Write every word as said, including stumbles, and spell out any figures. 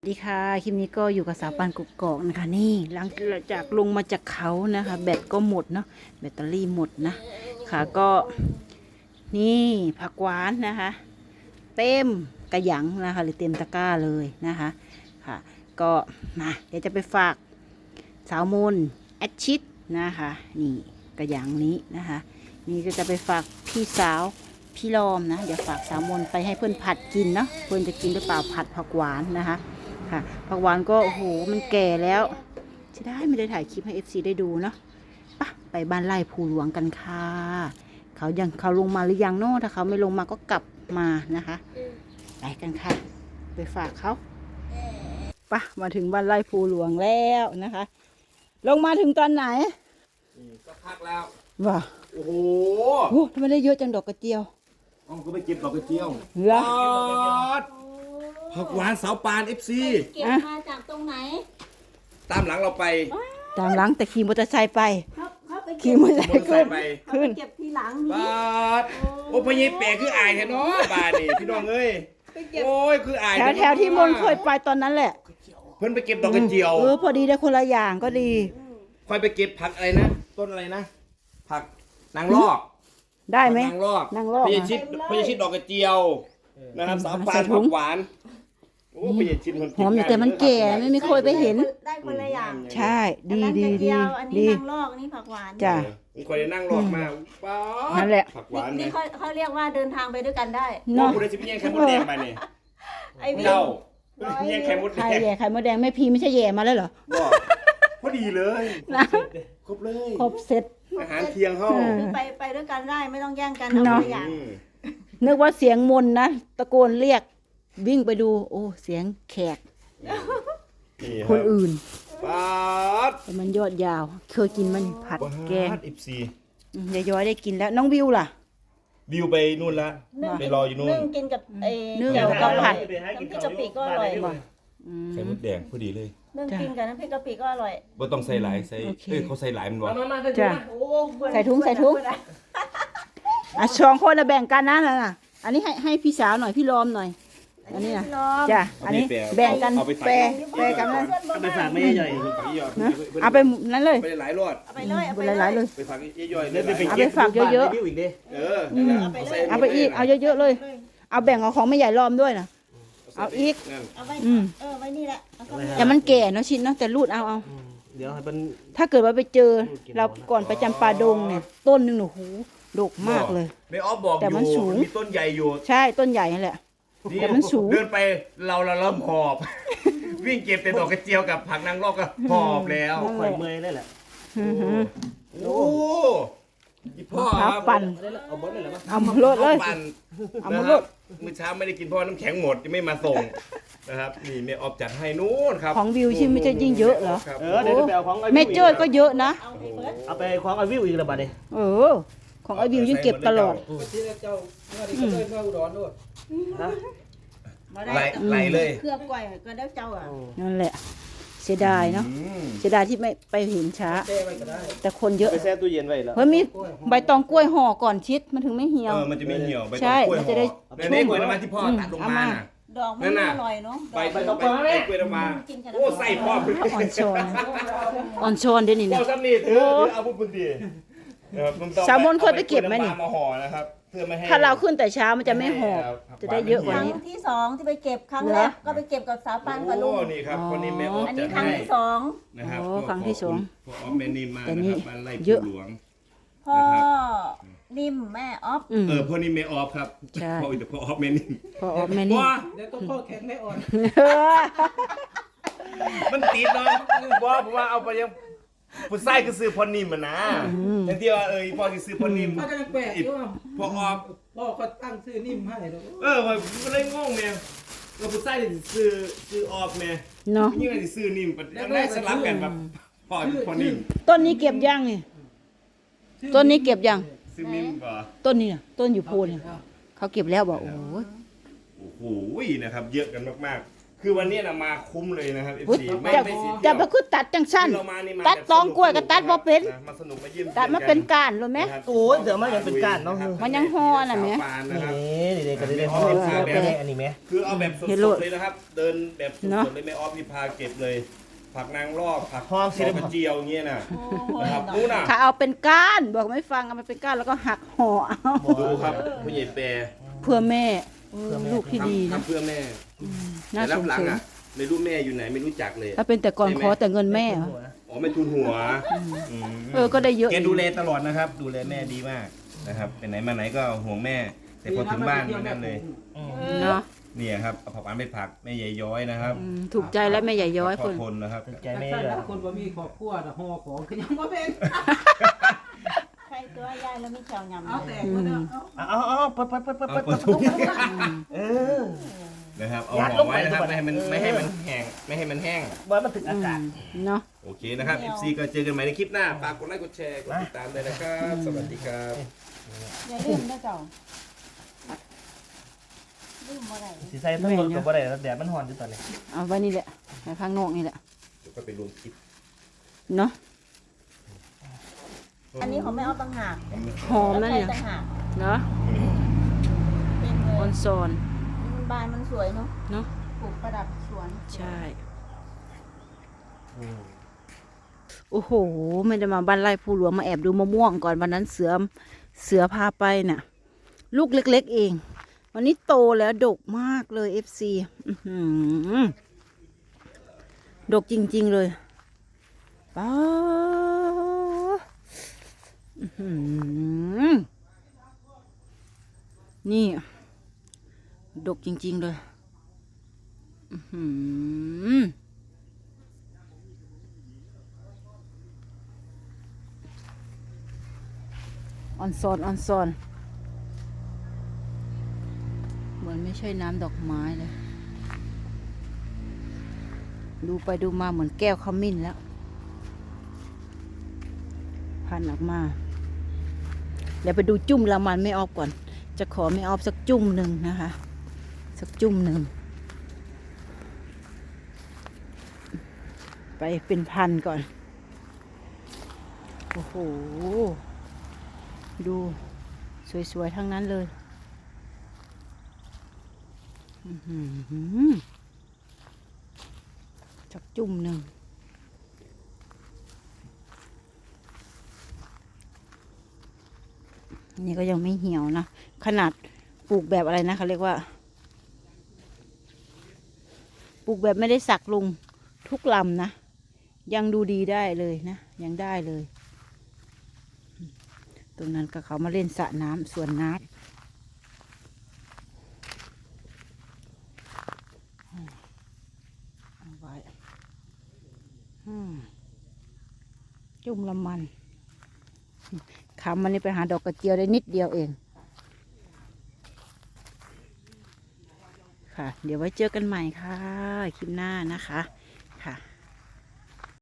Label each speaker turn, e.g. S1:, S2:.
S1: สวัสดีค่ะคลิปนี้ก็อยู่กับสาวปานกุกกอกนะคะนี่หลังจากลงมาจากเขานะคะแบตก็หมดเนาะแบตเตอรี่หมดนะค่ะก็นี่ผักหวานนะคะเต็มกระหยังนะคะหรือเต็มตะกร้าเลยนะคะค่ะก็มาเดี๋ยวจะไปฝากสาวมนแอดชิดนะคะนี่กระหยังนี้นะคะนี่ก็จะไปฝากพี่สาวพี่ลอมนะเดี๋ยวฝากสาวมนไปให้เพื่อนผัดกินเนาะเพื่อนจะกินหรือเปล่าผัดผักหวานนะคะค่ะผักหวานก็โอ้โหมันแก่แล้วจะได้ไม่ได้ถ่ายคลิปให้ เอฟ ซี ได้ดูเนาะปะไปบ้านไร่ภูหลวงกันค่ะเขายังเขาลงมาหรือยังเนาะถ้าเขาไม่ลงมาก็กลับมานะคะไปกันค่ะไปฝากเขาปะมาถึงบ้านไร่ภูหลวงแล้วนะคะลงมาถึงตอนไหน
S2: ก็พักแล้ว
S1: ว้า
S2: โอ้โห
S1: โอ้ทำไมได้เยอะจังดอกกระเจียว
S2: อ๋อก็ไปเก็บดอกกระเจียว
S1: เหรอ
S2: ผักหวานสาวปาน เอฟ ซี
S3: เก็บมาจากตรงไหน
S2: ตามหลังเราไป
S1: ตามหลังแต่ขี่มอเตอร์ไซค์ไป
S3: เขาเขาไปเก็
S1: ขี่
S3: บ
S1: มอเตอร์ไซค์ขึ้น
S3: เขาไปเก็บทีหลังนี้
S2: บาดโอ้พญแปะคืออายแท้เนาะบาดนี่พี่น้องเอ้ยโอ้ยคืออาย
S1: แถวแถวที่มนเคยไปตอนนั้นแหละ
S2: เพิ่นไปเก็บดอกกระเจียว
S1: เออพอดีได้คนละอย่างก็ดี
S2: ค่อยไปเก็บผักอะไรนะต้นอะไรนะผักนางลอก
S1: ได้ไหม
S2: นางลอก
S1: นางลอก
S2: พญชิดพญชิดดอกกระเจียวนะครับสาวปานผักหวานโอ้พญชิดมัน
S1: หอมอยู่แต่มันแก่ไม่มีเคยไปเห็น
S3: ได้คนละอย่าง
S1: ใช่ดีดีดี
S3: อันนี้นางลอกอันนี้ผักหวาน
S1: จ้ะ
S2: มีคนได้นั่งลอกมาป๊า
S1: นั่นแหละ
S2: ผักหวาน
S3: นี่เขาเขาเรียกว่าเดินทางไปด้วยกันได้
S2: เนาะคุณได้ชิมแย่งไข่มดแดงไปเนี่ย
S3: ไอ้พี่
S2: เจ้าแย่งไข่มดแดง
S1: ใครแย่ไข่มดแดงแม่พีไม่ใช่แย่มาแล้วเหรอ
S2: พอดีเลยนะครบเลย
S1: ครบเสร็จ
S2: อาหารเที่ยงห้อง
S3: ไปไปด้วยกันได้ไม่ต้องแย่งกันเอาตัวอย่าง
S1: นึกว่าเสียงมนนะตะโกนเรียกวิ่งไปดูโอ้เสียงแขกคนอื่นแต่มันยอดยาวเคยกินมันผัดแกง
S2: อิบซี
S1: ยายย้อยได้กินแล้วน้องวิวล่ะ
S2: วิวไปนู่นละไปรออยู่นู่น
S3: นึ่งกินกับไอ้
S1: นึ่งกับผัด
S3: น้ำพริกกะปิก็อร่อย
S2: ไข่มดแดงพอดีเลย
S3: นึ่งกินกับน้ำพริกกะปิก็อร่อย
S2: บ่ต้องใส่หลายใส่เอ้ยเขาใส่หลายมันวะ
S1: จ้ะใส่ถุงใส่ถุงอ่ะสองคนละแบ่งกันนะน่ะอันนี้ให้ให้พี่สาวหน่อยพี่ลอมหน่อยอันนี้นะจ้ะอันนี้แบ่งกันแปรแปรกันนะ
S4: เอาไปฝากไม่ใหญ่
S1: นะเอาไปนั้นเลย
S2: ไปหลายรอด
S3: เอาไปเลยเอาไป
S1: หลายๆเลย
S2: ไปฝากย่อยๆ
S1: เลยเอาไปฝากเยอะ
S2: ๆเออ
S1: เอาไปอีกเอาเยอะๆเลยเอาแบ่งเอาของไม่ใหญ่ลอมด้วยนะเอาอีก
S3: เอาไว้เออไว้นี่แหละ
S1: แต่มันแก่เนาะชิ้นเนาะแต่รูดเอาเอา
S4: เดี๋ยวให้มัน
S1: ถ้าเกิดว่าไปเจอเราก่อนไปจำปาดงเนี่ยต้นหนึ่งหนูหูดกมากเลย
S2: ไม่ออฟบอกอยู่แต่มันสูงมีต้นใหญ่อยู่
S1: ใช่ต้นใหญ่นั่นแหละแต่มันสูง
S2: เดินไปเราเราเริ่มหอบวิ่งเก็บแต่ดอกกระเจียวกับผักนางรอกก็หอบแล้ว
S4: ข่อยเมย์ได้แหละ
S2: โอ้ยพ่อ
S1: ปั่น
S4: เอาหมดเลยเหรอ
S1: เอาหมดเลยเอาหมดเลย
S2: มื้อเช้าไม่ได้กินเพราะน้ำแข็งหมดยังไม่มาส่งนะครับนี่แม่ออฟจัดให้นู้นครับ
S1: ของวิวชิมไม่จะยิ่งเยอะเหรอ
S4: เออเดี๋ยวไปเอาของ
S1: เมเจอร์ก็เยอะนะ
S4: เอาไปของไอวิวอีกแล้วบัดนี้
S1: เออของไอวิวยิ่งเก็บตลอด
S2: ไหลไหลเลย
S3: เครื่องก่อยก็ได้เจ้าอ่ะ
S1: นั่นแหละเสียดายเนาะเสียดายที่ไม่ไปเห็นช้าแต่คนเยอะ
S4: ไปแช่ตู้เย็นไว้แล้ว
S1: เฮ้ยมีใบตองกล้วยห่อก่อนชิดมันถึงไม่เหี่ยว
S2: เออมันจะไม่เหี่ยวใบตอง
S1: ใช่
S2: กล้วย
S1: มันจะได้
S2: ชุ่มกล้วยน้ำมันที่พ่อตัดลงมา
S3: ดอกมันอร่อยเนาะ
S2: ใบใบตองกล้วยน้ำมันโอ้ใส่พ่อ
S1: อ่อนช้อนอ่อนช้อนเดี๋ยวนี้นะ
S2: พ่อซ้ำนี่ถือเอาบุญดี
S1: สาวมนเคยไปเก็บไหมนี่
S2: มาห่อนะครับเพื่อไม่ให้
S1: ถ้าเราขึ้นแต่เช้ามันจะไม่หอบจะได้เยอะกว่านี้
S3: ครั้งที่สองที่ไปเก็บครั้งแรกก็ไปเก็บกับสาวปานกับลุง
S2: นี่ครับคนนี้แม่ออฟ
S3: อันนี้ครั้งที่สอง
S2: นะครับ
S1: โอ้ครั้งที่สอง
S2: พ่อออฟแม่นิ่มมานะครับบ้านไร่ภูหลวง
S3: พ่อนิ่มแม่ออฟ
S2: เออพ่อนิ่มแม่ออฟครับพ่อแต่พ่อออฟแม่นิ่ม
S1: พ่อออฟแม่นิ่ม
S4: เดี๋ยวต้องพ่อแข็งแม่อ่อน
S2: มันติดเนาะว่าผมว่าเอาไปยังผู้ชายคือซื้อพ่อนิ่มมันนะอย่างที่ว่าเออพ่อคือซื้อพ่อนิ่ม
S4: พ่อจะแปลกอยู่
S2: พ่อออฟ
S4: พ่อเขาตั้งชื่อนิ่มให้
S2: เออมันเลยงงแม่เราผู้ชายซื้อซื้อออฟแม่
S1: เนาะ
S2: ยิ่งอะไรซื้อนิ่มยังได้สลับกันแบบพ่อพ่อนิ่ม
S1: ต้นนี้เก็บยังนี่ต้นนี้เก็บยัง
S2: ซื้อนิ่มป่ะ
S1: ต้นนี้นะต้นอยู่โพนเขาเก็บแล้วบอกโอ้โห
S2: โอ้โหนะครับเยอะกันมากๆคือวันนี้นะมาคุ้มเลยนะครับ
S1: อุ๊ย
S2: เอฟ ซี ไม่
S1: จะ
S2: ไม่เสีย
S1: จะ
S2: เที่ยว
S1: ไปคือตัดจังสั้น
S2: คือเรามานี่มา
S1: ตัด
S2: แบบ
S1: ตองกล้วยกับตัดบ่เป็น
S2: ะมาสนุกมาเยี่ยม
S1: ตัดมาเป็นก้านรู้ไหม
S2: นะครับ
S5: โอ้ยเดี๋ยวมันยังเป็นก้านเนาะ
S1: มันยังห่อน่ะแม่
S2: สาวปานนะครับ
S5: นี่เด็กๆก็ได้ห้องเป็นไงอันนี้ไหม
S2: คือเอาแบบส
S1: เฮลโล
S2: ดๆเลยนะครับ เดินแบบส
S1: เนอะ
S2: ดๆเลยไม่ออฟพี่พาเก็บเลย ผักนางรอบผัก
S5: ห้องสิ
S2: ดอกกระเจียวเงี้ยน่ะ
S3: โอ้ย
S2: นะครับนู่นน่ะ
S1: ถ้าเอาเป็นก้านบอกไม่ฟังเอามาเป็นก้านแล้วก็หักห่อเอา
S2: ดูครับผู้ใหญ่แปร
S1: เพื่อแม่เออลูกที่ดี
S2: ทำ
S1: นะ
S2: ทำเพื่อแม่
S1: น่า
S2: แต่
S1: ส
S2: รับ
S1: ง
S2: หลัง
S1: สาร
S2: อ่ะไม่รู้แม่อยู่ไหนไม่รู้จักเลย
S1: ถ้าเป็นแต่ก่อนขอแต่เงินแม่เหรอ
S2: อ๋อไม่ทุนหัวม
S1: เออก็ได้เยอะ
S2: แกดูแลตลอดนะครับ ดูแลแม่ดีมากนะครับไปไหนมาไหนก็ห่วงแม่ แต่พอถึงบ้านมันนั่นเลย
S1: เนาะ
S2: เนี่ยครับเอาผักหวานไปผักแม่ใหญ่ย้อยนะครับ
S1: อืมถูกใจแล้วแม่ใหญ่ย้อย
S2: ข
S1: ค
S2: อน ทนนะครับ
S5: ใจ
S4: แต่
S5: แม่
S4: ถ้า
S5: เลย
S4: คนบ่มีครอบครัวน่ะห่อของก็ยังบ่เป็น
S3: ใครตัวยายแล้วไม่เชียวยำ
S4: เอา
S3: เล
S4: แต่
S3: ย
S4: คนเดียวเอา
S5: เอาเอาเอาเปิดเปิดเปิดเปิด
S2: เอา
S5: เปิด
S2: เปิดถุง
S5: เออ
S2: นะครับเอา
S5: ยัด
S2: ห่
S5: ล
S2: อง
S5: ไป
S2: ไว้นะครับ
S5: ทุกวัน
S2: ไม่ให้มัน
S5: เออ
S2: ไม่ให้มันแห้งไม่ให้มันแห้ง
S5: ว่ามันถึงอากาศ
S1: เนาะ
S2: โอเคนะครับ เอฟ ซี ก็เจอกันใหม่ในคลิปหน้าฝากกดไลค์กดแชร์กดติดตามเลยนะครับ สวัสดีครับ
S3: อย่าลืมนะเจ้าลืมอะไร
S5: สีใส่ทั้งหมดกับอะไรแดดมันหอนอยู่ตอนนี้
S1: เอาไว้นี่แหละไว้ข้างนอกนี่แหละ
S2: เดี๋ยวก็ไปรวมคลิป
S1: เนาะ
S3: อันนี้ของแม่เอาต่างหาก
S1: หอมนั่นเนี่ย
S3: ต่างหาก
S1: เนาะ
S3: เป็นเล
S1: ออย นซอน
S3: มันบานมันสวยเนาะ
S1: เนาะ
S3: ปลูกประดับสวน
S1: ใช่โอ้โหไม่ได้มาบ้านไร่ผู้หลวงมาแอบดูมะม่วงก่อนวันนั้นเสือเสือพาไปน่ะ ลูกเล็กๆเอง วันนี้โตแล้วดกมากเลย เอฟ ซี อื้อหือดกจริงๆเลยป้าอื้อหือนี่ ดกจริงๆเลย อื้อหือออนซอนออนซอนเหมือนไม่ใช่น้ำดอกไม้เลย ดูไปดูมาเหมือนแก้วขมิ้นแล้ว พันออกมา เดี๋ยวไปดูจุ่มละมันไม่ออกก่อน จะขอไม่ออกสักจุ่มหนึ่งนะคะ สักจุ่มหนึ่ง ไปเป็นพันก่อน โอ้โห ดูสวยๆทั้งนั้นเลยอื้อหือจักจุ่มหนึ่งนี่ก็ยังไม่เหี่ยวนะ ขนาดปลูกแบบอะไรนะเขาเรียกว่า ปลูกแบบไม่ได้สักลงทุกลำนะ ยังดูดีได้เลยนะ ยังได้เลย ตรงนั้นก็เขามาเล่นสระน้ำสวนน้ำเอาไว้อืมจุ่มละมันคำมันนี่ไปหาดอกกระเจียวได้นิดเดียวเอง ค่ะ เดี๋ยวไว้เจอกันใหม่ค่ะ คลิปหน้านะคะ ค่ะ